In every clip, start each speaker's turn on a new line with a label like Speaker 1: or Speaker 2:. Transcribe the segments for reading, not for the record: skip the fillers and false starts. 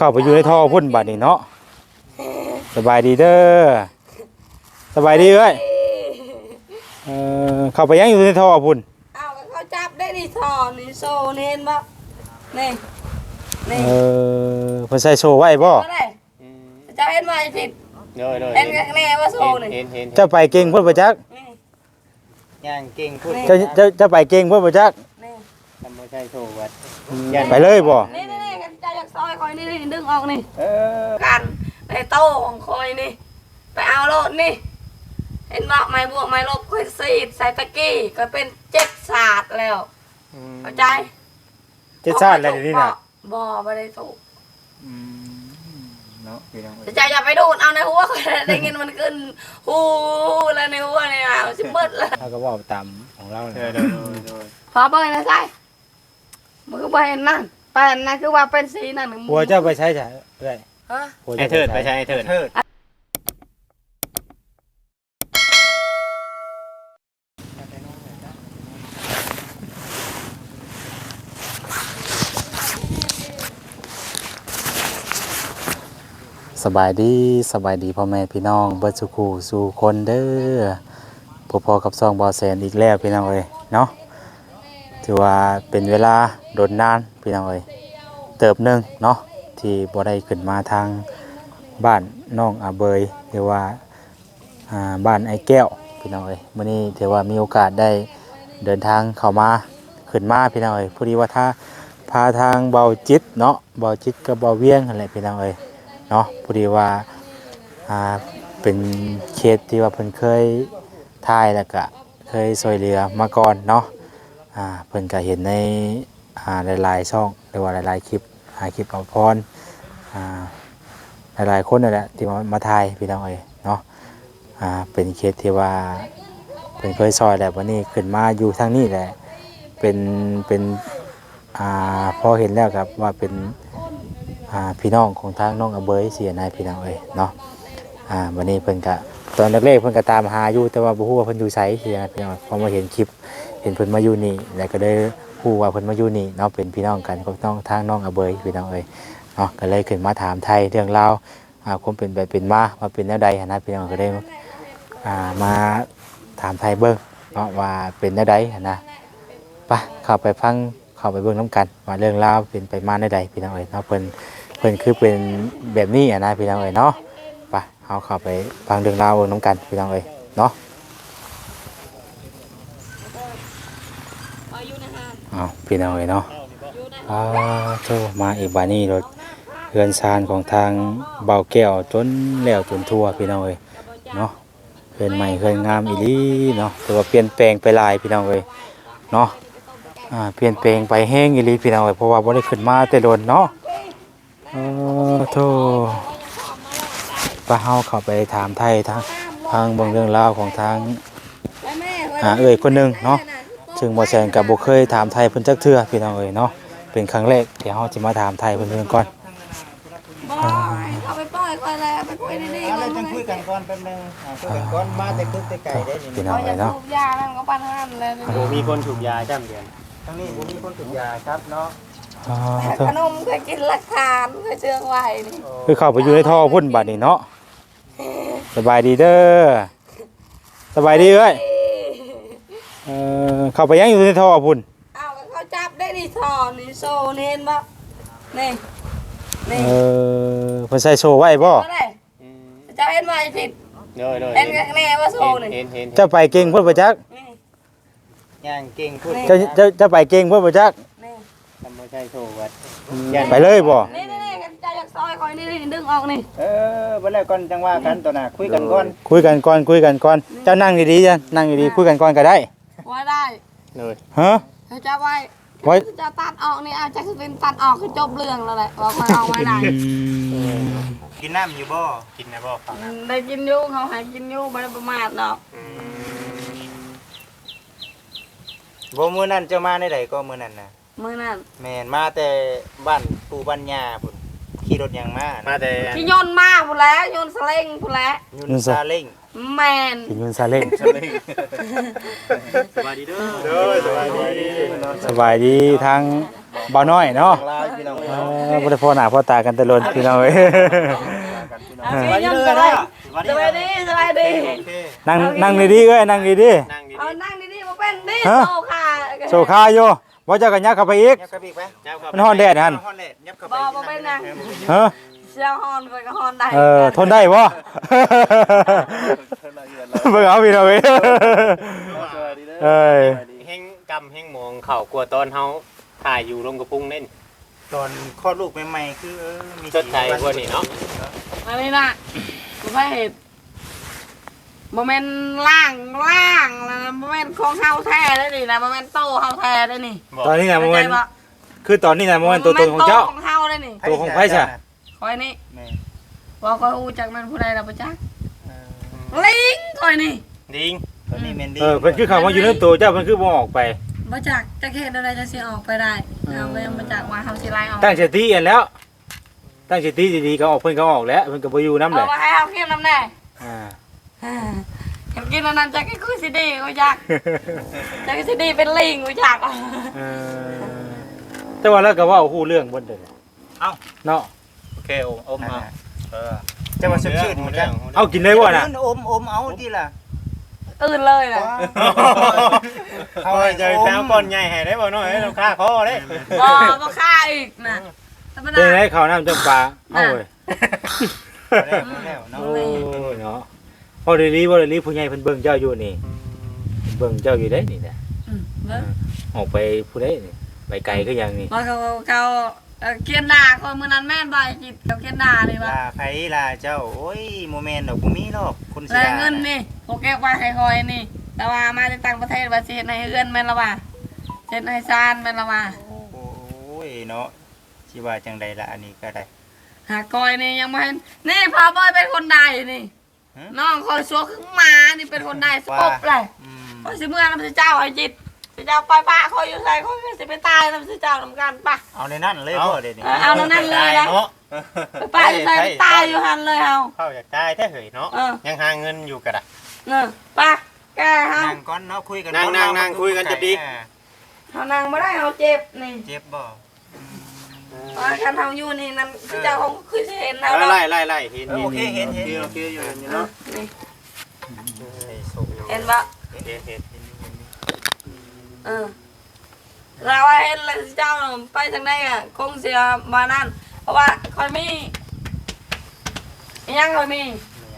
Speaker 1: เข้าไปอยู่ในท่อพุ่นบัดนี้เนาะสบายดีเด้อสบายดีเอ้ยเข้าไปยังอยู่ในท่อพุ่น
Speaker 2: เอาเขาจับได้ดิท่อนี่โซ่นี่เห็นบ่นี่
Speaker 1: เพิ่นใส่โซ่ไว้บ่
Speaker 2: จะเห็นไหมผิดเห็นแน่ว่าโซ่นี่
Speaker 1: เจ้าไปเก่งพุ่นบ่จัก
Speaker 3: ย่างเก่งพุ่น
Speaker 1: เจ้าไปเก่งพุ่นบ่จัก
Speaker 3: ทำบ่ใช่โซ่วัด
Speaker 1: ไปเลยบ่
Speaker 2: นี่กันใจจากซอยคอยนี่ดึงออกนี่กันในโต๊ะของคอยนี่ไปเอาโลดนี่เห็นบ่ไม้บวกไม้ลบคอยซีดใส่ตะกี้ก็เป็น7 ศาสตร์แล้วเข้าใจ
Speaker 1: 7 ศาสตร์แล้วนี่น่ะ
Speaker 2: บ่ได้ถูก
Speaker 1: เนาะพี่น้อง
Speaker 2: จะอย่าไปดูดเอาในหัวคอยได้ยินมันขึ้นฮู้แล้วในหัวนี่อ่ะสิเบิดแล้ว
Speaker 1: เฮาก็เว้าตามของเรา
Speaker 2: พอเบิ่งนะใช่มือไปนั่นไปนั่นคือว่าเป็นสีนั่น
Speaker 1: หัวเจ้าไปใช้จ้ะเอ้ย
Speaker 2: ฮะ
Speaker 3: ไอ้เถิดไปใช้ไอ้เถิด
Speaker 1: สบายดีพ่อแม่พี่น้องเบิดสุขสู่คนเด้อพอกับซองบ่อแสนอีกแล้วพี่น้องเอ้ยเนาะถือว่าเป็นเวลาโดนนานพี่น้องเอ้ยเติบนึงเนาะที่บ่ได้ขึ้นมาทางบ้านน้องอาเบยหรือว่าบ้านไอ้แก้วพี่น้องเอ้ยมื้อนี้ถือว่ามีโอกาสได้เดินทางเข้ามาขึ้นมาพี่น้องเอ้ยพอดีว่าถ้าพาทางเบาจิตเนาะเบาจิตกับเบาเวียงนั่นแหละพี่น้องเอ้ยเนาะพอดีว่าเป็นเคสที่ว่าเพิ่นเคยถ่ายแล้วก็เคยช่วยเหลือมาก่อนเนาะเพิ่นก็เห็นในหลายๆช่องหรือว่าหลายๆคลิปคลิปเอาพรหลายๆคนนั่นแหละที่มาถ่ายพี่น้องเอ้ยเนาะเป็นเคสที่ว่าเพิ่นเคยซอยแล้ววันนี้ขึ้นมาอยู่ทางนี้แหละเป็นพอเห็นแล้วครับว่าเป็นพี่น้องของทางน้องอาเบยเสียนายพี่น้องเอ้ยเนาะวันนี้เพิ่นก็ตอนแรกๆเพิ่นก็ตามหาอยู่แต่ว่าบ่ฮู้ว่าเพิ่นอยู่ไสเสียพี่น้องพอมาเห็นคลิปเห็นเพิ่นมาอยู่นี่แล้วก็ได้ฮู้ว่าเพิ่นมาอยู่นี่เนาะเป็นพี่น้องกันกับน้องทางน้องอาเบยพี่น้องเอ้ยเนาะก็เลยขึ้นมาถามไทยเรื่องราวความเป็นแบบเป็นมาว่าเป็นแนวใดนะพี่น้องก็ได้มาถามไทยเบิ่งเนาะว่าเป็นแนวใดนะไปเข้าไปฟังเข้าไปเบิ่งนํกันว่าเรื่องราวเป็นไปมาแนวใดพี่น้องเอ้ยเนาะเพิ่นคือเป็นแบบนี้นะพี่น้องเอ้ยเนาะไปเอาเข้าไปฟังเรื่องราวน้ำกันพี่น้องเอ้ยเนาะเอาพี่น้องเอ้ยเนาะโทรมาอีกบานี้รถเรือนซานของทางเบาแก้วจนแล้วจนทั่วพี่น้องเอ้ยเนาะเรือนใหม่เรือนงามอีหลีเนาะแต่ว่าเปลี่ยนแปลงไปหลายพี่น้องเอ้ยเนาะเปลี่ยนแปลงไปแห้งอีหลีพี่น้องเอ้ยเพราะว่าบ่ได้ขึ้นมาแต่โดนเนาะโธ่ป้าเฮาเข้าไปถามไทยทางบางเรื่องราวของทางเอ่ยคนหนึ่งเนาะซึ่งบ่แซงกับบ่เคยถามไทยเพิ่นจักเทื่อพี่น้องเอ้ยเนาะเป็นครั้งแรกเดี๋ยวเฮาสิมาถามไทยเพิ่นก่อน
Speaker 2: เอาไปปล่อยก่อนเลยไปคุยดีๆก่อน
Speaker 3: จังคุยกันก่อนแป๊บนึงคุยกันก่อนมาแต่คึกแต่ไก่ได้
Speaker 1: พี่น้องเอ้ยเนาะ
Speaker 2: สูบยานั่นก็ปันห้ามเลย
Speaker 3: มีคนสูบยาจ้ำเดือนทั้งนี้มีคนสูบยาครับเนาะ
Speaker 2: ขนมเคยกินราคาเคยเชื่องไว้นี่
Speaker 1: คือเข้าไปอยู่ในท่อพุ่นบัดนี้เนาะสบายดีเด้อสบายดีเอ้ยเข้าไปยังอยู่ในท่อพุ่น
Speaker 2: เอาเขาจับได้ดิท่อนี่โซ่นี่เห็นบ่นี่
Speaker 1: เพิ่นใส่โซ่ไว้บ่
Speaker 2: จะเห็นไหมผิดเห็นแน่ว่าโซ่นี่
Speaker 1: เจ้าไปเก่งพุ่นบ่จัก
Speaker 3: ย่างเก่งพุ่น
Speaker 1: เจ้าไปเก่งพุ่นบ่จัก
Speaker 3: ทำบ่ใช่โซ่วัด
Speaker 1: ไปเลยบ่
Speaker 2: นี่กันใจจากซอยคอยนี่ดึงออกนี่
Speaker 3: บ่แล้วก่อนจังว่ากันตัวน่ะคุยกันก่อน
Speaker 1: เจ้านั่งดีๆจ้ะนั่งดีๆคุยกันก่อนก็ได้
Speaker 2: ว่าได้
Speaker 3: เลย
Speaker 1: ฮะ
Speaker 2: จะไว้จะตัดออกนี่อาจจะเป็นตัดออกคือจบเรื่องแล้วแหละว่าคอยเอาไว้ได้
Speaker 3: กินน้ำอยู่บ่กินนะบ่ฟัง
Speaker 2: ได้กินอยู่เขาหากินอยู่ไม่ได้ประมาทดอก
Speaker 3: บ่มื้อนั้นเจ้ามาได้ใดก็มื้อนั้นน่ะ
Speaker 2: มื้อนั้น
Speaker 3: แม่นมาแต่บ้านปู่บ้านย่าพุ่นขี่รถหยังมาแต่
Speaker 2: ที่โยนมาพุ่นแล้วโยนสเล้งพุ่นแล้ว
Speaker 3: โยนซาเล้ง
Speaker 2: แมน
Speaker 1: กินเงินซาเล้ง
Speaker 3: สบายดีเด้อสบายดี
Speaker 1: สบายดีทางบ่าวน้อยเนาะ
Speaker 3: ลาพี่น้อง
Speaker 1: บ่ได้พอหน้าพอตากันแต่ล้นพี่น้องเอ้ย
Speaker 2: เอาพี่ยังสบายสบายดีสบายดี
Speaker 1: นั่งดีๆเอ้ยนั่งดี
Speaker 3: นั่งดี
Speaker 2: เอานั่งดีๆมาเป็นดิ
Speaker 1: ฮะ
Speaker 2: โซค่ะ
Speaker 1: ๆโซคาอยู่บ่เจ้าก็ยักเข้าไปอีก
Speaker 3: ยับเข้าไปอีกไหม
Speaker 1: มันฮ้อนแดดหั่น
Speaker 3: ฮ้อนแดดยับเข้าไป
Speaker 2: บ่เป็นนั่ง
Speaker 1: ฮะ
Speaker 2: เชียวฮอนไปก็ฮอนได้
Speaker 1: ทนได้บ่เบิ่งเอาพี่น้องเอ้ยเอ้ย
Speaker 3: แห้งกำแห้งมองเข่ากลัวตอนเฮาถ่ายอยู่ลงกระพุ้งเน่น
Speaker 4: ตอนคลอดลูกใหม่ๆคือมี
Speaker 3: จดใจพวกนี้เนาะ
Speaker 2: อันนี้นะบ่เห็นบ่แม่นล่างแล้วนะบ่แม่นของเฮาแท้ได้นี่นะบ่แม่นโตเฮาแท้ได้นี่
Speaker 1: ตอนนี้น่ะบ่แม่น
Speaker 2: เข้าใจบ่
Speaker 1: คือตอนนี้น่ะบ่แม่นตัวตนของเจ้า
Speaker 2: โตของเฮาได้นี่
Speaker 1: ตัวของไผซะ
Speaker 2: คอยนี่
Speaker 4: แม่
Speaker 2: บ่คอยฮู้จักแม่นผู้ใดล่ะบ่จักลิงคอยนี่
Speaker 3: ดิง
Speaker 4: ตอนนี้แมนดี้
Speaker 1: เพิ่นคือเข้ามาอยู่ในตัวเจ้าเพิ่นคือบ่ออกไป
Speaker 2: บ่จักจักเฮ็ดอะไรจะสิออกไปได้เอาไปบ่จักว่าเฮาสิไล่ออก
Speaker 1: ตั้งสติอันแล้ว ตั้งสติดีๆก็ออกเพิ่นก็ออกแล้วเพิ่นก็บ่อยู่นำแห
Speaker 2: เอา
Speaker 1: ละ
Speaker 2: มาให้เฮากินน้ำแน่
Speaker 1: อ่า
Speaker 2: เห็นกินอันนั้นจักคือสิดีบ่จักจักสิดีเป็นลิงบ่จัก
Speaker 1: เออแต่ว่าแล้วก็เว้าฮู้เรื่องเบิดเด้อ
Speaker 4: เอ้า
Speaker 1: เนาะ
Speaker 3: โอเคอมเอา
Speaker 4: จะมาสดชื่นหมดจัง
Speaker 1: เอากินได้บ่น่ะ
Speaker 4: อมเอาที่ล่ะ
Speaker 2: ตื่นเลยน่ะ
Speaker 3: เขาจะแปลก้อนใหญ่ให้ได้บ่น้อยเราค่าคอได้
Speaker 2: บ่ฆ่าอีกน่ะธรรมดา
Speaker 1: เป็นไงข้าวน้ำจำปลาเอ้าเว้ย
Speaker 4: แล้วเนาะ
Speaker 1: โอ้ยเนาะพอดีบ่ดีผู้ใหญ่เพิ่นเบิ่งเจ้าอยู่นี่เบิ่งเจ้าอยู่ได้นี่นะ
Speaker 2: เบิ่ง
Speaker 1: ออกไปผู้ใดนี่ไปไกลคือหยังนี่
Speaker 2: ว่าเขาเกียนด่าคนมื้อนั้นแม่นบ่ไอ้จิตเขาเกียนด่านี่ว่า
Speaker 4: ลาไผลาเจ้าโอ้ยโมเมนต์ดอกบ่มีหรอกคนสิ
Speaker 2: แลเงินนี่โอเก็บไว้ให้คอยนี่แต่ว่ามาจากต่างประเทศว่าสิเฮ็ดให้เอื้อนแม่นละว่าเฮ็ดให้ซานแม่นละว่า
Speaker 4: โอ้ยเนาะสิว่าจังใดล่ะอันนี้ก็ได้
Speaker 2: หากอยนี่ยังบ่เห็นนี่พอบอยเป็นคนใดนี่
Speaker 4: ฮะ
Speaker 2: น้องคอยสัวคือหมานี่เป็นคนใดสกบเลย
Speaker 4: อืม
Speaker 2: คอยสิเมื่อนำสิเจ้าไอ้จิตสิเจ้าไปป้าคอยอยู่ไสคอยสิไปตายนำสิเจ้านำกันป่ะ
Speaker 4: เอาในนั้นเลยบ่เดี๋ยวนี้
Speaker 2: เอาแล้วนั่นเลยนะ
Speaker 3: เนาะ
Speaker 2: ไปป้าอยู่ไสไปตายอยู่หันเลยเฮา
Speaker 3: เข้าอยากได้แท้เหยเนาะยังหาเงินอยู่กระดะ
Speaker 2: ป้าแกเฮา
Speaker 4: นั่งก่อนเนาะคุยกัน
Speaker 3: นั่งคุยกันจะดี
Speaker 2: เฮานั่งบ่ได้เฮาเจ็บนี่
Speaker 4: เจ็บบ่
Speaker 2: คันเฮาอยู่นี่นั่นสิเจ้าคงคือสิเห็นเฮา
Speaker 3: ไล่เห็น
Speaker 4: โอเคเห็น
Speaker 3: โอเคอยู่เนาะ
Speaker 2: นี่เห็นบ่
Speaker 3: เห็น
Speaker 2: เราว่าเห็นแล้วสิเจ้าไปทางใดอ่ะคงสิมานั่นเพราะว่าคอยมีอิหยังคอยมี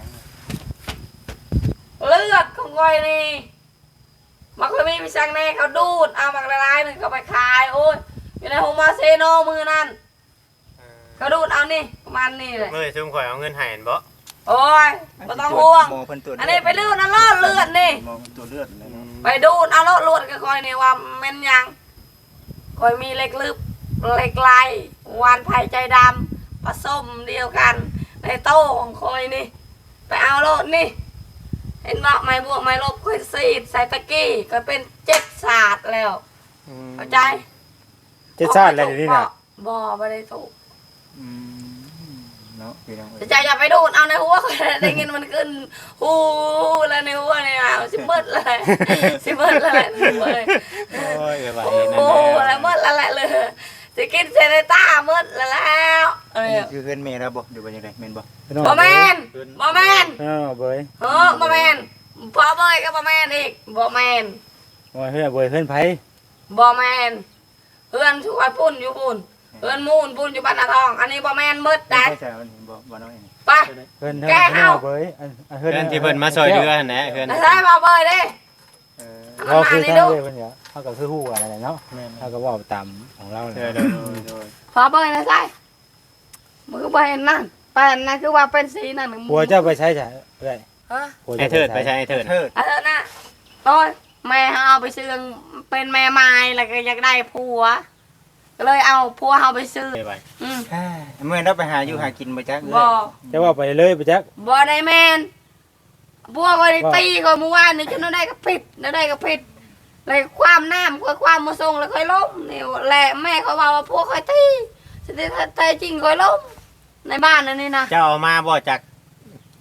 Speaker 2: เลือดของคอยนี่มันคอยมีไปสั่งแน่เขาดูดเอามักละลายหนึ่งเขาไปขายโอ้ยอยู่ในโฮมาเซโนมือนั่นเขาดูดเอานี่ประมาณนี้เลย
Speaker 3: เมื่อซุ่มข่อยเอาเงินให้บ่
Speaker 2: โอ้ยไม่ต้องห่วง
Speaker 4: หมอเพิ่นตรวจ
Speaker 2: อันนี้ไปดูดเอาเลือดเลือดนี่
Speaker 4: หมอเพิ่นตรวจเลือดเลยเนาะ
Speaker 2: ไปดูดเอาเลือดเลือดก็คอยนี่ว่าแม่นยังคอยมีเล็กลึบเล็กลายวานไผ่ใจดำผสมเดียวกันในโต้ของคอยนี่ไปเอาโลดนี่เห็นบอกไม่บวกไม่ลบคอยซีดใส่ตะกี้ก็เป็น7 ศาสตร์แล้วเข้าใจ
Speaker 1: เจ็ดชาติแล้วเดี๋ยวนี้น่ะ
Speaker 2: บ่ไม่ได้ถูก
Speaker 4: อืมเนาะพี่น้อง
Speaker 2: จะใจอย่าไปดูดเอาในหัวคอยได้ยินมันขึ้นหูแล้วในหัวเนี่ยสิเบิดเลยสิเบิดเลยเลย
Speaker 3: โอ้ยไป
Speaker 2: โอ้แล้วเบิดแล้วแหละเลยสิกินเซเนต้าเบิดแล้วเออ
Speaker 4: คือเฮือนแม่เราบ่อยู่ว่าจังได๋แม่นบ่
Speaker 2: บ่แมนบ่แมน
Speaker 1: เบย
Speaker 2: บ่แมนพอเบยก็บ่แมนอีกบ่แมน
Speaker 1: ว่าเฮ้ยเบยเฮือนไผ
Speaker 2: บ่แมนเพื่อนช่วยพุ่นอยู่พุ่นเพื่อนมูนพุ่นอยู่บ้านนาทอง อันนี้บ่แมนเบิดได้
Speaker 4: ใช่ใช่มันบ่น้อยนี่
Speaker 2: ไป
Speaker 1: เฮือน
Speaker 2: แกเอา
Speaker 1: เบย
Speaker 3: เพื่อนที่เพิ่นมาซอยเรือหั่นแหละเพื่อน
Speaker 2: แล้วใช่บ่เบยเด้
Speaker 4: เออ
Speaker 1: เรา
Speaker 2: มา
Speaker 1: คือ
Speaker 2: นี่
Speaker 1: ทาง
Speaker 2: ดู
Speaker 1: เว้ยเพิ่นเนี่ยเฮาก็คือฮู้กันนั่นแหละเนาะ
Speaker 4: แม่น
Speaker 1: เฮาก็เว้าตามของเรา
Speaker 3: เอ
Speaker 1: แหละ
Speaker 3: อ
Speaker 2: พอเบยนะใช่มือบ่เห็นนั่นไปนั่นคือว่าเป็นสีนั่น
Speaker 1: ผัวเจ้าไปใช้จ้ะเอ้ย
Speaker 2: ฮะ
Speaker 1: ผัว
Speaker 3: ไอ้
Speaker 1: เจ้า
Speaker 3: เถิดไปใช่ไอ้เถิด
Speaker 4: เทิด
Speaker 2: เออน่ะโอ้ยแม่เอาไปซื้อเป็นแม่ไม้แล้วก็อยากได้ผัวก็เลยเอาผัวเอาไปซื้อ
Speaker 3: ไป
Speaker 2: อืม
Speaker 4: เมื่อเราไปหาอยู่หากินบ่จัก
Speaker 2: บ่
Speaker 1: จะว่าไปเลยไปจัก
Speaker 2: บ่ได้แม่นพวกก็ได้ตีก็เมื่อวานนี่ฉันได้ก็ผิดได้ก็ผิดเลยความน้ำก็ความมาส่งแล้วค่อยล้มนี่แหละแม่เขาว่าว่าพวกค่อยตีฉันได้แต่จริงค่อยล้มในบ้านนั่นนี่นะ
Speaker 3: เจ้าเอามาบ่จาก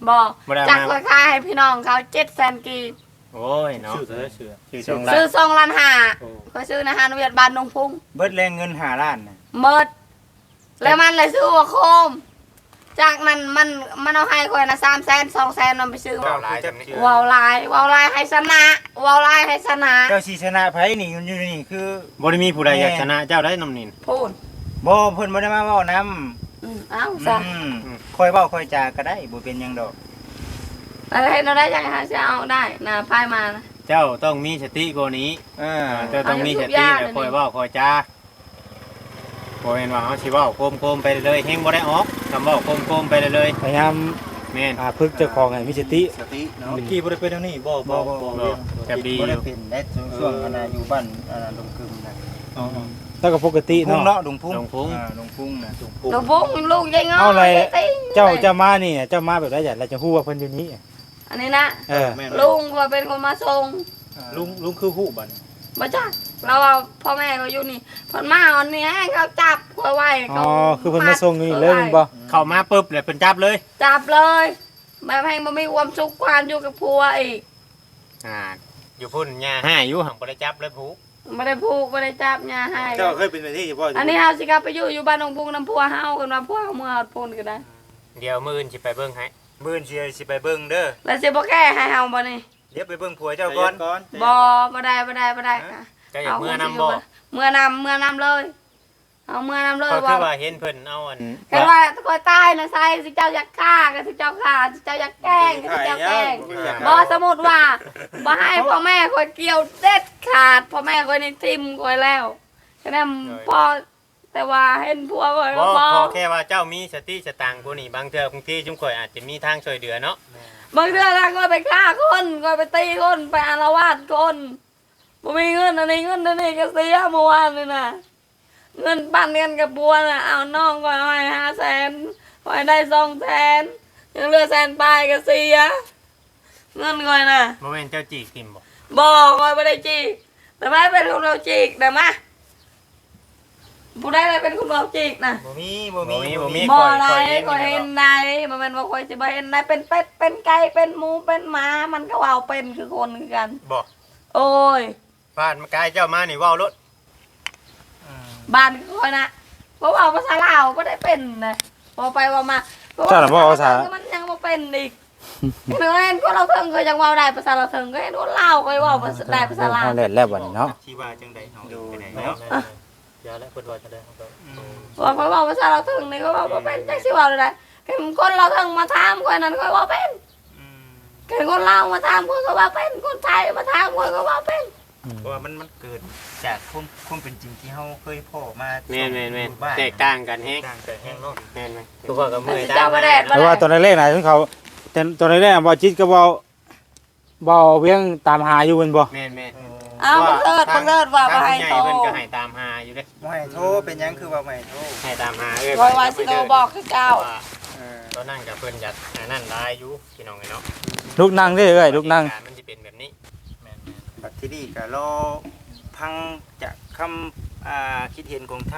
Speaker 2: บ่
Speaker 3: บ่ได้
Speaker 2: จัก
Speaker 3: มา
Speaker 2: คายให้พี่น้องเขา700,000กีบ
Speaker 3: โอ้ยเนาะ
Speaker 4: ชื่อช่องล้า
Speaker 2: ซื้อน2.5 ล้าน
Speaker 3: โอ้
Speaker 2: ก็ซื้อในฮานเวียดบ้านนงพุง
Speaker 4: เบิดแรงเงิน5ล้านน่ะ
Speaker 2: หมดแล้วมันเลยซื้อหัวโคมจากนั้นมันเอาให้คอยนะ300,000 200,000มันไปซื้อ
Speaker 3: เว้าหลายจำนี้
Speaker 2: วาวลายให้ชนะวาวลายให้ชนะ
Speaker 4: เจ้าสิชนะไผนี่อยู่นี่คือ
Speaker 3: บ่ได้มีผู้ใดอยากชนะเจ้าได้น้ำนิน
Speaker 2: พูด
Speaker 4: บ่เพิ่นบ่ได้มาเว้านํ
Speaker 2: เอ้าซะ
Speaker 4: ค่อยเว้าค่อยจาก็ได้บ่เป็นหยังดอก
Speaker 2: อะไรเห็นเราได้ยังไงจะเอาได้นะพายมานะ
Speaker 3: เจ้าต้องมีสติกว่านี้เจ้าต้องมีสติแล้วคอยเว้าคอยจาบ่แม่นว่าเฮาสิเว้าโคมๆไปเลยเฮงบ่ได้ออกคำเว้าโคมๆไปเลย
Speaker 1: พยายาม
Speaker 3: แม่น
Speaker 1: ฝึกเจ้าของให้มีสติ
Speaker 4: สติเนาะ
Speaker 1: เมื่อกี้บ่ได้เป็นทางนี้บ่
Speaker 4: บ่บ่
Speaker 3: แบบดี
Speaker 4: บ่ได้เป็นได้ช่วงอยู่บ้านลงกึมนะ
Speaker 1: อ๋อแล้วก็ปกติ
Speaker 4: พุ่ง
Speaker 1: เนาะ
Speaker 4: เนาะลุงพุ่ง
Speaker 3: ลงพุง
Speaker 4: ลุงพุ่งนะ
Speaker 2: ลูกบุ้งลูกยังงอ
Speaker 1: เอาอะไร
Speaker 2: ติ้ง
Speaker 1: เจ้ามานี่เจ้ามาแบบไรอย่างเราจะฮู้ว่าเพิ่นอยู่นี้
Speaker 2: อันนี้นะ
Speaker 1: เออ
Speaker 2: ลุงก็เป็นคนมาส่ง
Speaker 1: ลุงคือฮู้บัด
Speaker 2: มาจ้าเราเอาพ่อแม่เขาอยู่นี่พอนมาอันนี้ให้เขาจับเขาไว้
Speaker 1: อ๋อคือเพิ่นมาส่งนี่เลยแม่นบ่
Speaker 3: เข้ามาปุ๊บเลยเพิ่นจับเลย
Speaker 2: จับเลยแบบให้มันมีความสุขความอยู่กับผัวอีก
Speaker 3: อยู่พุ่นย่าให้อยู่หังบ่ได้จับเลยผู้
Speaker 2: ไม่ได้ผูกไม่ได้จับยาให้
Speaker 1: เจ้าเคยเป็นไปที่บ่
Speaker 2: อันนี้เฮาสิกลับไปอยู่บ้านองพุงน้ำพัวเฮากันว่าพัวเมื่อเอาปูนก็ได้
Speaker 3: เดี๋ยวมื้ออื่นสิไปเบิ่งให้
Speaker 4: มื้อสิไปเบิ่งเด้อ
Speaker 2: แล้วสิบ่แก้ให้เฮาบ่นี่
Speaker 4: เดี๋ยวไปเบิ่งผัวเจ้าก่อน
Speaker 2: บ่ได้ค่ะ
Speaker 3: เจ้าอยากมื้อนำบ่
Speaker 2: เมื่อนำเลยเอาเมื่อนำเลย
Speaker 3: ก็คือ
Speaker 2: ว่า
Speaker 3: ว่าเห็นเพิ่นเอาอัน
Speaker 2: เห็นว่าคอยตายนะไซสิเจ้าอยากฆ่าก็สิเจ้าฆ่าสิเจ้าอยากแกล้งก็สิเจ้าแกล้งบ่สมมุติว่าบ่ให้พ่อแม่คอยเกี่ยวเด็ดขาดพ่อแม่คอยนี่ทิ่มคอยแล้วฉะนั้นพ่อแต่ว่าเห็นผัวคอย
Speaker 3: บ่
Speaker 2: บ่
Speaker 3: ขอแค่ว่าเจ้ามีสติสตางค์ผู้นี้บางเทื่อบางทีจุมข่อยอาจจะมีทางช่วยเหลือเนาะ
Speaker 2: บางเดือนละก็ไปฆ่าคนก็ไปตีคนไปอาละวาดคนบ่มีเงินอันนี้เงินอันนี้ก็เสียเมื่อวานนี่นะเงินปั้นเงินกับบัวน่ะเอาน้องก็ให้500,000ก็ให้ได้200,000ยังเหลือ100,000ปลายก็เสียเงินก่อยน่ะ
Speaker 3: บ่แม่นเจ้าจีกทิมบ่
Speaker 2: บอกก่อยไม่ได้จีกแต่ไม่เป็นคนเราจีกแต่มาผู้ใดอะไรเป็นคนเราจีกนะ
Speaker 4: บ่มี
Speaker 2: บ่อะไรก็เห็นได้มันเป็นว่าคอยสิบ่เห็นได้เป็นเป็ดเป็นไก่เป็นหมูเป็นหมามันก็ว่าเป็นคือคนคือกัน
Speaker 3: บ่
Speaker 2: โอ้ย
Speaker 3: บ้านมากายเจ้ามานี่เว้ารถ
Speaker 2: บ้านคอยนะเพราะว่าภาษาลาวก็ได้เป็นนะพอไปว่ามา
Speaker 1: เจ้าน่ะบ่ภาษา
Speaker 2: มันยังบ่เป็นอีกเห็นคนเราเทิงก็ยังเว้าได้ภาษาเราเทิงก็เห็นคนลาวก็เว้าได้ภาษาลาว
Speaker 1: เฮาแล่นแล้วบัดนี้เนาะ
Speaker 4: ที่ว่าจังได๋เฮาไปไหน
Speaker 3: เนาะ
Speaker 4: เนาะ
Speaker 3: อย่าแล้วเพิ่นว่าจะได้ครับ
Speaker 2: ว่าเขาบอกภาษาเราเทิงนี่ก็ว่าบ่เป็นจักสิเว้าได้เห็นคนเราเทิงมาถามคนนั้นก็ว่าเป็นเห็นคนลาวมาถามคนก็ว่าเป็นคนไทยมาถามคนก็ว่าเป็น
Speaker 4: เพราะว่ามันเกิดจากความเป็นจริงที่เฮาเคยพ่อมา
Speaker 3: แม่นแตกต่างกันแฮง
Speaker 4: ต่างกันแฮงเนาะ
Speaker 3: แม่นไหมทุกคนก็เมื่อย
Speaker 2: เจ้ามาแดด
Speaker 1: แต่ว่าตอนแรกๆน่ะถึงเขาแต่ตอนแรกๆบ่จิตก็บ่เวียงตามหาอยู่แม่นบ่
Speaker 3: แม่น
Speaker 2: เอาบังเอิญว่าบ่ให้
Speaker 3: ใหญ่
Speaker 2: โต
Speaker 3: เพิ่นก็ให้ตามหาอยู่เด้
Speaker 4: บ่ให้โทรเป็นหยังคือว่าบ่ให้โทร
Speaker 3: ให้ตามหาเอ้ย
Speaker 2: คอยว่าสิโตบอกคือเจ้า
Speaker 3: ตอนนั้นกับเพิ่นอยากนั่นได้อยู่พี่น้องเนาะ
Speaker 1: ลูกนั่งเด้อเอ้ยลูกนั่ง
Speaker 3: มันสิเป็นแบบนี้
Speaker 4: บัดทีนี้ก็รอพังจากคำคิดเห็นของทาง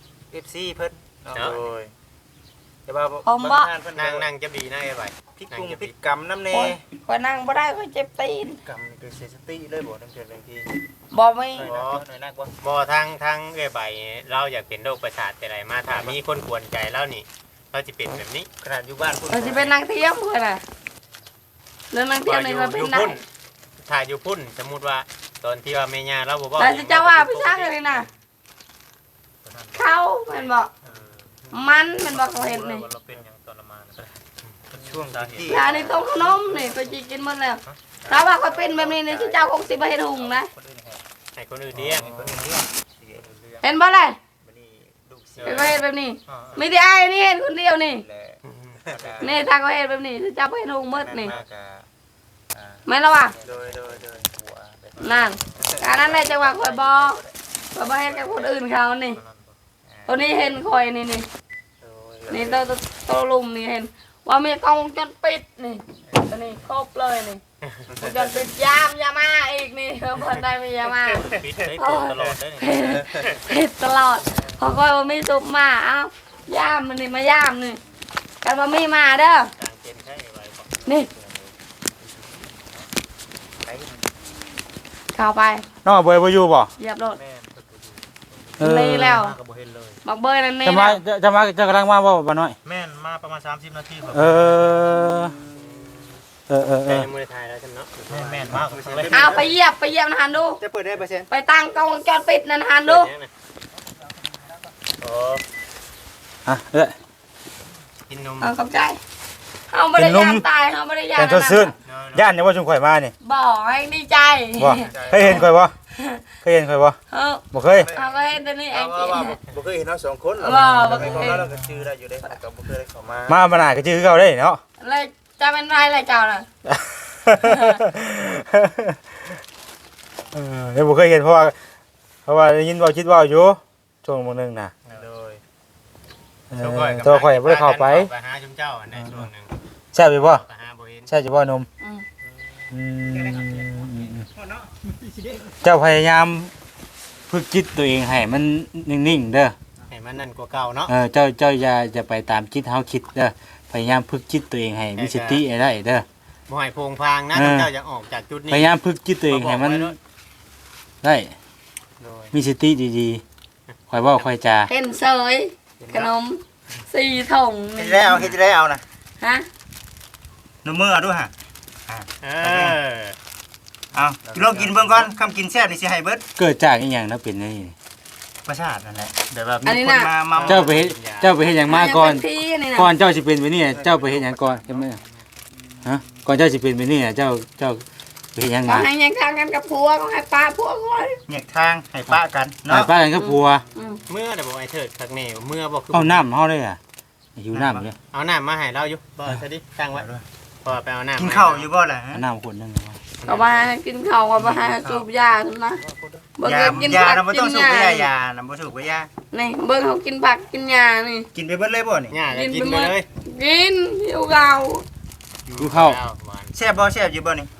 Speaker 4: FC เพิ่นเนาะโดยแต่ว่าเพิ่น
Speaker 3: นั่งจะดีนะไอ้ใบ
Speaker 4: พิกกุงพิกกรรมน้ำเน
Speaker 2: คอยนั่งบ่ได้คอยเจ็บตีน
Speaker 4: กรรมนี่คือเสียสติเลยบ่ทั้งเกิดบางที
Speaker 2: บ่มี
Speaker 4: หน่อยนักว่า
Speaker 3: บ่ทางไอ้ใบเราอยากเป็นโรคประสาทแต่ไรมาถ้ามีคนกวนใจแล้วนี่เราจะเป็นแบบนี้
Speaker 4: ขนาดอยู่บ้านพุ่น
Speaker 2: คอยสิเป็นนางเทียมคอยน่ะเรื่องนางเทียมนี่ก็เป็นได้
Speaker 3: ถ้าอยู่พุ่นสมมุติว่าตอนที่ว่าแม่ย่าเราบ่
Speaker 2: แต่สิเจ้าว่าพี่ช้างเลยน่ะเขาแม่นบ่มันแม่นบ่เขาเห็นนี่
Speaker 3: เราเป็นอย่างทรมาน
Speaker 4: ช่วงที่
Speaker 2: ยาในต้มขนมนี่ไปจีกินหมดแล้วถ้าว่าคอยเป็นแบบนี้นี่สิเจ้าคงสิบ่เฮ็ดหุงนะ
Speaker 3: ให้คนอื่นเลี้ยง
Speaker 4: คนนึงเรื่อง
Speaker 2: เห็นบ่ล่ะ
Speaker 4: บัดนี้ลูกเสือ
Speaker 2: เป็นก็เฮ็ดแบบนี้มีแต่อ้ายนี่เห็นคนเดียวนี่
Speaker 4: และ
Speaker 2: นี่ถ้าเขาเฮ็ดแบบนี้สิเจ้าบ่เฮ็ดหุงหมดนี่
Speaker 4: มากะ
Speaker 2: แม่นแล้วว่ะ
Speaker 4: โดยหัว
Speaker 2: นั่นการนั้นแหละจังหวะคอยบอกคอยบอกให้กับคนอื่นเขานี่ตัวนี้เห็นคอยนี่นี่ตัวลุมนี่เห็นว่ามีกล้องวงจรปิดนี่ตัวนี้ครบเลยนี่วงจรปิดยามยามาอีกนี่เพิ่นได้มียามา
Speaker 3: ปิดได้ตัวตลอดได้
Speaker 2: ปิดตลอดพอคอยว่ามีซุปมาเอ้ายามมันนี่มายามนี่กันว่ามีมาเด้อ
Speaker 3: การเป็นใช่ไว้
Speaker 2: นี่เข้าไป
Speaker 1: น้องเบยบ่อยู่บ่
Speaker 2: เหยียบรถ
Speaker 3: แม่น
Speaker 2: เลยแล้ว
Speaker 3: มาก็บ่เห็นเลย
Speaker 2: บักเบยนั่นนี่
Speaker 1: จะกำลังมาบ่บ่น้อย
Speaker 3: แม่นมาประมาณ30นาทีครับ
Speaker 1: เออ
Speaker 3: แต่ยังบ่ได้ถ่ายแล้วซั่นเนาะแม่นมากเลย
Speaker 2: เอาไปเหยียบนะฮันดู
Speaker 4: จะเปิดได้เปอร์เซ็นต์
Speaker 2: ไปตั้งกล้องวงจรปิดนั่นฮันดู
Speaker 3: โอ้
Speaker 1: อ่ะเอ้ย
Speaker 3: กินนม
Speaker 2: เอาเข้าใจเอาไม่ได้ยามตายเอาไม่ได้ยาม
Speaker 1: เป็นทดซื่นย่านเนี่ยว่าชุมข่อยมานี่
Speaker 2: บอกให้ดีใจ
Speaker 1: บ่เคยเห็นข่อยบ่เคยเห็นข่อยบ่
Speaker 2: เออ
Speaker 1: บ่เคย
Speaker 2: เอาไปให้ตัวนี้ไอ้
Speaker 4: ว่า
Speaker 2: จี
Speaker 4: ว่าบ่เคยเห็นเราสองคน
Speaker 2: ว่าบ่
Speaker 4: บ่
Speaker 2: เค
Speaker 4: เค
Speaker 2: ย
Speaker 4: ยเราก็ชื่อได้อยู่ได้ก็บ่เคยได้เข้ามา
Speaker 1: มาบ่น่าก็ชื่อเขาได้เนาะ
Speaker 2: เลยจะเป็นไรอะไรเจ้าน่ะ
Speaker 1: เดี๋ยวบ่เคยเห็นเพราะว่าได้ยินเว้าคิดเว้าอยู่ช่วงมื้อนึงน่ะ
Speaker 3: โดย
Speaker 1: ตัวข่อยบ่ได้เข้าไป
Speaker 3: ไปหาชุมเจ้าในช่วงนึง
Speaker 1: แซ่บอยู่บ่
Speaker 3: ไปหาบ่เห็น
Speaker 1: แซ่บอยู่บ่นม
Speaker 2: อืม
Speaker 1: อืมเจ้าพยายามฝึกจิตตัวเองให้มันนิ่งๆเด้อ
Speaker 3: ให้มันนั่นกว่าเก่าเนาะ
Speaker 1: เจ้าอย่าไปตามจิตเฮาคิดเด้อพยายามฝึกจิตตัวเองให้มีสติให้ได้เด้อ
Speaker 3: บ่ให้โพงพางนะเจ้าอยากออกจากจุดนี้
Speaker 1: พยายามฝึกจิตตัวเองให้มันได้
Speaker 3: โดย
Speaker 1: มีสติดีๆค่อยเว้าค่อยจา
Speaker 2: เห็นเสยขนม4ถุง
Speaker 4: เฮ็ด
Speaker 2: นี่
Speaker 4: ได้เอาเฮ็ดได้เอานะ
Speaker 2: ฮะ
Speaker 4: นมือเอาด้วยฮะ
Speaker 3: เออ
Speaker 4: เอาลองกินเบิ่งก่อนคำกินแซ่บนี่สิให้เบิด
Speaker 1: เกิดจากอีหยังแล้วเป็นนี่
Speaker 4: ประสาทนั่นแหละเดี๋ยวแบบมีคนมา
Speaker 1: เจ้าไปเฮ็ดหยังมาก่อน
Speaker 2: ยังเป็นพี่นี่นะ
Speaker 1: ก่อนเจ้าสิเป็นไปนี่เจ้าไปเฮ็ดหยังก่อนเห็นมั้ยฮะก่อนเจ้าสิเป็นไปนี่เจ้าไปเฮ็ดหยัง
Speaker 2: ก็
Speaker 1: มา
Speaker 2: ให้ยังทางกันกับผัวก็ให้ป้าผัวก่อน
Speaker 4: แยกทางให้ป้ากัน
Speaker 1: หา
Speaker 4: เนาะ
Speaker 1: ป้ากันกับผัว
Speaker 3: เมื่อแต่บอกไอ้เถิดคักแน่เมื่อบอกคือ
Speaker 1: เอาน้ำเฮาเลยอ่ะหิวน้ำเลย
Speaker 3: เอาน้ำมาให้เราอยู่บ่ซะดิตั้งไว้พอไปเอาน้ำ
Speaker 4: กินข้าวอยู่บ่ล่ะฮะ
Speaker 1: เอาน้ำขวดนึง
Speaker 2: ก็มาให้กินข้าวก็มาให้สูบยาขึ้นนะเบิ่ง
Speaker 4: ยา
Speaker 2: เขากิน
Speaker 4: ยา
Speaker 2: ผัก
Speaker 4: เราบ่
Speaker 2: กิ
Speaker 4: ต้อง
Speaker 2: น
Speaker 4: สูบ
Speaker 2: ยา
Speaker 4: ไปยานะบ่สูบไปยา
Speaker 2: นี่เบิ่งเขากินผักกินยานี่
Speaker 4: กินไปเบิดเลยบ่นี่
Speaker 3: ย่าก็กินไปเลย
Speaker 2: กินหิวเกา
Speaker 1: ดูเข้า
Speaker 4: แซ่บบ่แซ่บอยู่บ่นี่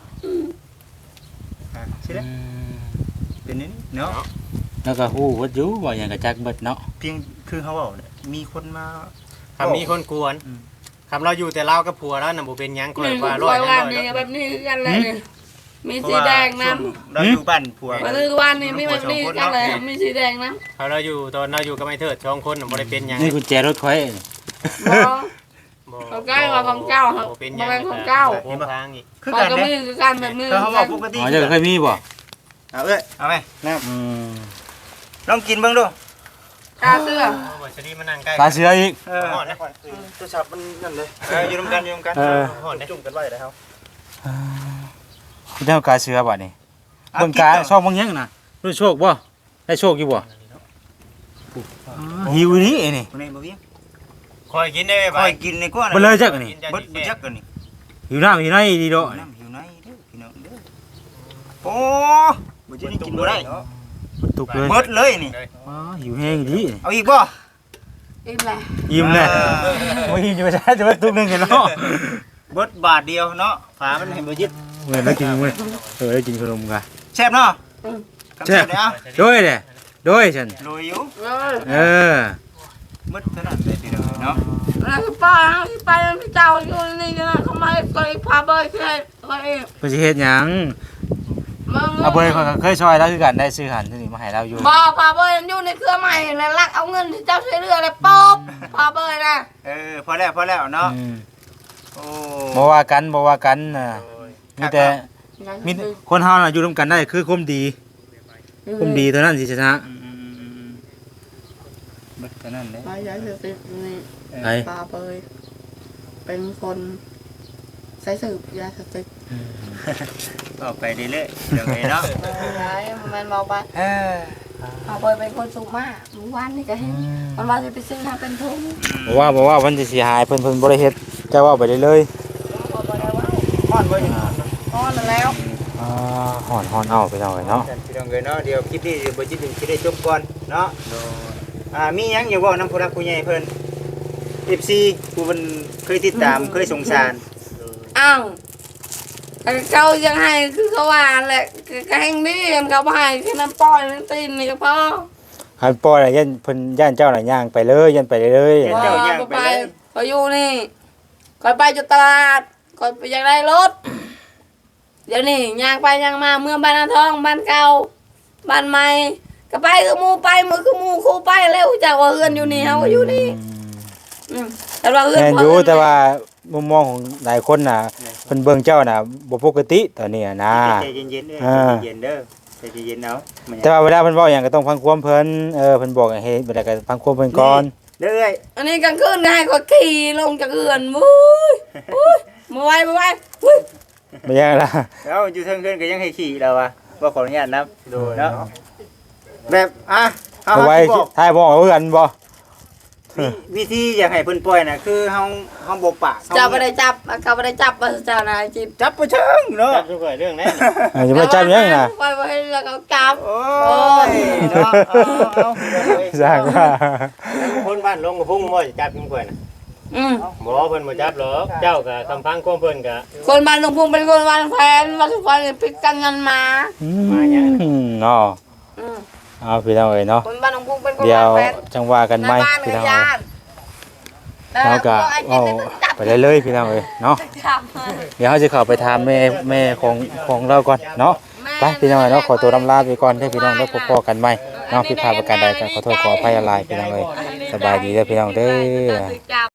Speaker 4: สิเด้เป็นนี่เนาะ
Speaker 1: แล้วก็ฮู้ว่าอยู่ว่าหยังก็จักเบิดเนาะ
Speaker 4: เพียงคือเขาเว้าเนี่ยมีคนมา
Speaker 3: คำมีคนกวนคำเราอยู่แต่เรากับผัวแล้วน่ะบ่เป็นหยังคอย
Speaker 2: นี่
Speaker 3: ว่า
Speaker 2: ค
Speaker 3: ร้อย
Speaker 2: อย
Speaker 3: ร้
Speaker 2: ว่า
Speaker 3: อย
Speaker 2: นี่แบบนี้คือกันเลยนี่มีสีแดงน้ำ
Speaker 4: เราอยู่บ้านผัว
Speaker 2: มาลือวันนี่มีแบบนี้กันเลยมีสีแดงน้
Speaker 3: เขาเราอยู่ตอนเราอยู่กับไอ้เถิด2คนน่ะบ่ได้เป็นหยัง
Speaker 1: นี่กุญแจรถข่อย
Speaker 2: ำเขาใกล้ว่าของเจ้าเขา
Speaker 3: บ่เป็นห
Speaker 2: บ่
Speaker 3: ยัง
Speaker 2: เป็นของเจ้า
Speaker 3: โพงพางอีก
Speaker 4: คือ
Speaker 2: เขา
Speaker 4: กัน
Speaker 2: ก็
Speaker 4: เด้
Speaker 2: มีคือกันแบบนี้
Speaker 4: เขาบอกปกติ
Speaker 1: อ๋อเจ้าเคยมีบ่
Speaker 4: เอาเอ้ยเอาไหมน้
Speaker 1: อืม
Speaker 4: ำลองกินเบิ่งดู
Speaker 2: กาเสื้อ
Speaker 3: บ่ซะดิมานั่งใกล้
Speaker 1: ตาเสืออีก
Speaker 4: ตัวฉับมันนั่นเลยอยู่ร่วมกันอยู่ร่วมกันจุ่มกันไว้แล้ว
Speaker 1: เจ้ากาเสือบัดนี้เบิ่งกาชอบเบิ่งหยังน่ะรู้โชคบ่ได้โชคอยู่บ่หิวนี่นี่
Speaker 4: คนนี้บ่เวียง
Speaker 3: คอยกินได้
Speaker 4: ค
Speaker 3: ไป
Speaker 4: อยกินในกว่า
Speaker 1: บ่เลยจักอันนี่
Speaker 4: บ่จักกันนี่
Speaker 1: หิวน้ำหิวในดีโด
Speaker 4: น้ำหิวในเด้อพี่น้องเด้อโอ้บ่จะนี่กินบ่ได้
Speaker 1: ตุกเลย
Speaker 4: เบิดเลยนี่
Speaker 1: อ๋อหิวแห้งดี
Speaker 4: เอาอีกบ่
Speaker 2: อิ่มเลย
Speaker 1: ยิ้มเลยบ่ยิ้มจะไปใช้จะไปตุกนึงกันเนาะ
Speaker 4: เบิดบาทเดียวเนาะฝามันให้บ่ยึด
Speaker 1: เมื่อได้กินมื้อได้กินขนมกัน
Speaker 4: แซ่บเนาะ
Speaker 1: แซ่บ
Speaker 4: เด้อ
Speaker 1: ด้วยเด้ด้วยฉัน
Speaker 4: โรยอยู่
Speaker 1: เออ
Speaker 4: เบิดเท่านั้นเลยพี่น้องเนาะ
Speaker 2: แล้วก็ป้าที่ไปพี่เจ้าอยู่นี่นะเขาไม่เคยพาเบยเคย
Speaker 1: เพิ่นสิเฮ็ดหยังเอาเบยเขาก็เคยช่วยแล้วคือกันได้ซื้อหันที่นี่มาให้เราอยู่
Speaker 2: บ่พาเบยอยู่ในเครือใหม่แล้วลักเอาเงินที่เจ้าใช้เรือเลยป๊อบพาเบยนะ
Speaker 4: พอแล้วเนาะ
Speaker 1: อืม
Speaker 4: โอ้
Speaker 1: บ่ว่ากันน่ะมีแต่มีคนเฮาน่ะอยู่ร่วมกันได้คือความดีเท่านั้นสิชนะ
Speaker 4: เบิดเท่านั้นเลย
Speaker 2: ไปย้ายเสือติดนี่
Speaker 1: ไอ้
Speaker 2: ปาเปยเป็นคนใช้สืบยาสติก
Speaker 4: ก็ไปเรื่อยๆเดี๋ยวไงเนาะ
Speaker 2: ย้ายมันบอกว่าปาเปยเป็นคนสูงมากรู้วันนี่ก็เห็นมันว่าจะไปซื้อทางเป็นทุ่ง
Speaker 1: บ่ว่ามันสิเสียหายเพิ่นบ่ได้เฮ็ดจะว่าไปเลย
Speaker 2: บอกว่าได้ว่า
Speaker 4: ฮ้อนบ่นี่
Speaker 2: อ๋อนั่นแล้ว
Speaker 1: ฮ้อนเอาไปเอาเนาะ
Speaker 4: พี่น้องเอ้ยเนาะเดี๋ยวคลิปนี้เดี๋ยวบ่จิตถึงสิได้จบก่อนเนาะมีหยังอยู่บ่นำผู้รักผู้ใหญ่เพิ่น FC ผู้เพิ่นเคยติดตามเคยสงสาร
Speaker 2: อ้าวเขายังให้คือเขาว่าแหละก็แห่งนี้มันเขาให้แค่นั้นปล่อยนั่นตีนนี่ก็พอ
Speaker 1: หันปล่อยน่ะยันเพิ่นย่านเจ้าน่ะย่างไปเลยยันไปเลย
Speaker 2: พอไปพออยู่นี่คอยไปจุดตลาดคอยไปอยากได้รถเดี๋ยวนี้ย่างไปย่างมาเมื่อบ้านนาทองบ้านเก่าบ้านใหม่ก็ไปคือหมู่ไปมือคือหมู่คู่ไปแล้วจากว่าเฮือนอยู่นี่เฮาก็อยู่นี่แต่ว่าเฮือน
Speaker 1: แม่นอยู่แต่ว่ามุมมองของหลายคนน่ะเพิ่นเบิ่งเจ้าน่ะบ่ปกติตอนนี้นะ
Speaker 4: ใจเย็นๆเด้อใจเย็นๆเด้อใจเย็นๆเอามัน
Speaker 1: แต่ว่าเวลาเพิ่นเว้าหยังก็ต้องฟังความเพิ่นเพิ่นบอกให้เฮ็ดบ่ได้ก็ฟังความเพิ่นก่อน
Speaker 4: เด้อเอ้ย
Speaker 2: อันนี้กลางคืนได้ก็ขี่ลงจากเฮือนวุ้ยมาไว้วุ้ย
Speaker 1: บ่ยังล่ะ
Speaker 4: แล้วอยู่เทิงเกินก็ยังให้ขี่แล้ววะบ่ขออนุญาตนับดูเนาะแบบเอา
Speaker 1: เอาไว้
Speaker 4: บอก
Speaker 1: ทายบ่เอากันบ่
Speaker 4: วิธีอยากให้เพิ่นปล่อยน่ะคือเฮาบ่ปาก
Speaker 2: เจ้าไม่ได้จับเขาไม่ได้จับมาเจ้านายจิบ
Speaker 4: จับบ่เชิงเนาะ
Speaker 3: จับทุกข์เรื่องนั้น
Speaker 1: อย่ามาจับหยังน่ะ
Speaker 2: ไปให้แล้วเขาจับ
Speaker 4: โอ้ยเนาะเอา
Speaker 1: สร้างว่า
Speaker 3: คนบ้านลงกับพุ่งบ่จะจับกินกล้วยน่ะบ่เพิ่นบ่จับหรอกเจ้าก็คำพังของเพิ่นก็
Speaker 2: คนบ้านหลวงพุงเป็นคนบ้านแฟนบ้านทุกคนปิดกันกันมา
Speaker 1: เนาะเอาพี่น้องเอ้ยเนาะ
Speaker 2: คนบ้านหลวงพุงเป็นคน
Speaker 1: เดี๋ยว
Speaker 2: บ้านแฟน
Speaker 1: จังว่ากันใหม่
Speaker 2: บ้าน
Speaker 1: พี่
Speaker 2: เนื้
Speaker 1: น้อง
Speaker 2: อยา
Speaker 1: เอ้ย
Speaker 2: น
Speaker 1: เราก็เอาไปเลยๆพี่น้องเอ้ยเนาะเดี๋ยวเราจะเข้าไปถามแม่ของเราก่อนเนาะไปพี่น้องเอ้ยเนาะขอตัวลำลาไปก่อนเด้อพี่น้องเด้อพบกันใหม่เนาะผิดพลาดประการใดก็ขอโทษขออภัยอะไรพี่น้องเอ้ยสบายดีเด้อพี่น้องเด้อ
Speaker 2: จับ